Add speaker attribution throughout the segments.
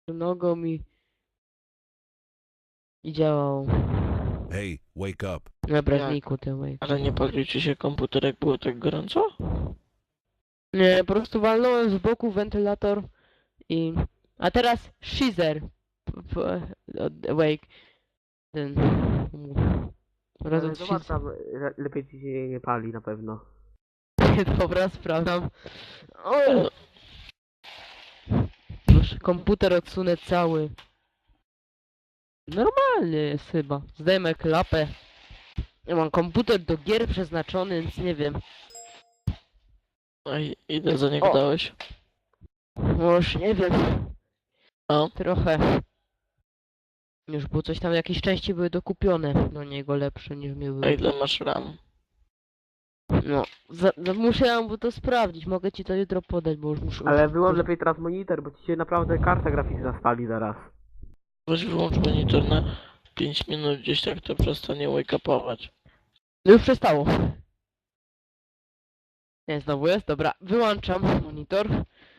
Speaker 1: nogą i działał.
Speaker 2: Hey, wake up.
Speaker 1: Dobra,
Speaker 3: Jak?
Speaker 1: znikł ten wave.
Speaker 3: Ale nie palił ci się komputer, jak było tak gorąco?
Speaker 1: Nie, po prostu walnąłem z boku wentylator i... A teraz Shizer. Wake. Ten... Razem z
Speaker 4: Zobacz
Speaker 1: Shizer.
Speaker 4: tam, lepiej ci się nie pali na pewno.
Speaker 1: Dobra, sprawdzam. O! Proszę, komputer odsunę cały. Normalnie jest chyba. Zdejmę klapę. Ja mam komputer do gier przeznaczony, więc nie wiem.
Speaker 3: Ej, ile za niego
Speaker 1: O!
Speaker 3: dałeś?
Speaker 1: Już nie wiem.
Speaker 3: O.
Speaker 1: Trochę. Już było coś tam, jakieś części były dokupione do niego lepsze niż mi
Speaker 3: A
Speaker 1: były.
Speaker 3: ile masz RAM?
Speaker 1: No, muszę to sprawdzić, mogę ci to jutro podać, bo już muszę...
Speaker 4: Ale wyłącz lepiej teraz monitor, bo ci się naprawdę karta graficzna spali zaraz.
Speaker 3: Weź wyłącz monitor na 5 minut, gdzieś tak to przestanie wake-upować.
Speaker 1: Już przestało. Nie, znowu jest, dobra, wyłączam monitor.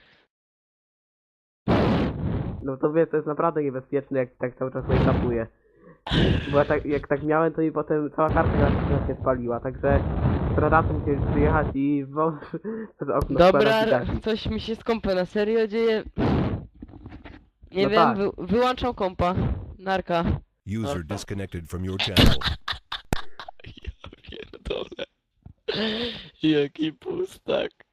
Speaker 4: No to wiesz, to jest naprawdę niebezpieczne, jak tak cały czas wake-upuje. Bo jak tak miałem, to mi potem cała karta graficzna się spaliła, także stradacy musieli przyjechać i wąż przez okno
Speaker 1: Dobra,
Speaker 4: spalać i gasić.
Speaker 1: coś mi się z kompa na serio dzieje. Nie
Speaker 4: No
Speaker 1: wiem,
Speaker 4: tak.
Speaker 1: wyłączam kompa. Narka.
Speaker 2: User disconnected from your channel.
Speaker 3: Ja pierdolę. Jaki pustak.